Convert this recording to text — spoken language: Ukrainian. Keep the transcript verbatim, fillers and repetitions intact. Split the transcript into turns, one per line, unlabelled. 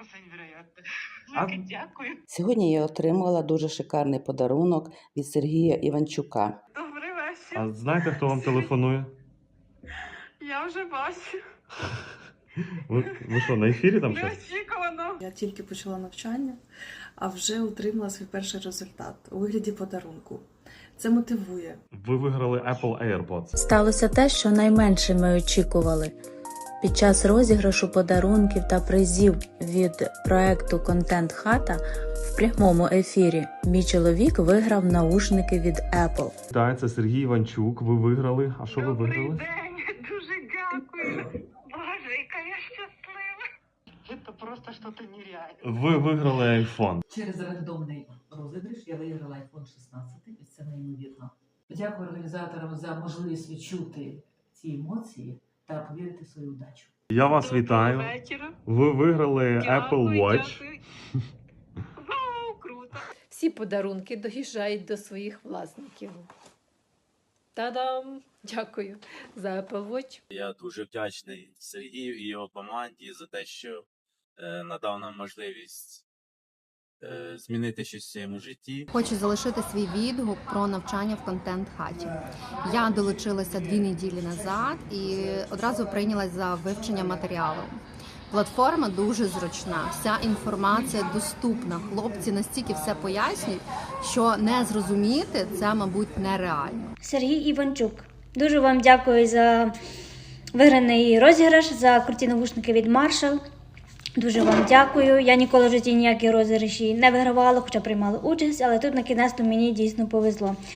просто невероятно.
А-
Велике дякую.
Сьогодні я отримала дуже шикарний подарунок від Сергія Іванчука.
Добрий вечір.
А знаєте, хто вам телефонує?
Я вже бачу.
Ви, ви що, на ефірі там щось?
Неочікувано.
Я тільки почала навчання, а вже отримала свій перший результат у вигляді подарунку. Це мотивує.
Ви виграли Apple AirPods.
Сталося те, що найменше ми очікували. Під час розіграшу подарунків та призів від проекту «Контент Хата» в прямому ефірі мій чоловік виграв наушники від Apple.
Так, це Сергій Іванчук. Ви виграли. А що ви
Добрий
виграли?
день. Дуже дякую. Боже, яка я щаслива. Це просто щось нереальне.
Ви виграли iPhone.
Через рандомний розіграш я виграла айфон шістнадцять, і це неймовірно. Дякую організаторам за можливість відчути ці емоції та повірити в свою удачу.
Я вас
Доброго
вітаю.
вечора.
Ви виграли
Дякую,
Apple Watch.
дякую. Вау, круто.
Всі подарунки доїжджають до своїх власників. Та-дам! Дякую за Apple Watch.
Я дуже вдячний Сергію і його команді за те, що е, надав нам можливість е, змінити щось в своєму житті.
Хочу залишити свій відгук про навчання в контент-хаті. Я долучилася дві неділі назад і одразу прийнялась за вивчення матеріалу. Платформа дуже зручна, вся інформація доступна. Хлопці настільки все пояснюють, що не зрозуміти це, мабуть, нереально.
Сергій Іванчук. Дуже вам дякую за виграний розіграш, за круті навушники від Marshall. Дуже вам дякую. Я ніколи в житті ніякі розіграші не вигравала, хоча приймала участь, але тут на кінець мені дійсно повезло.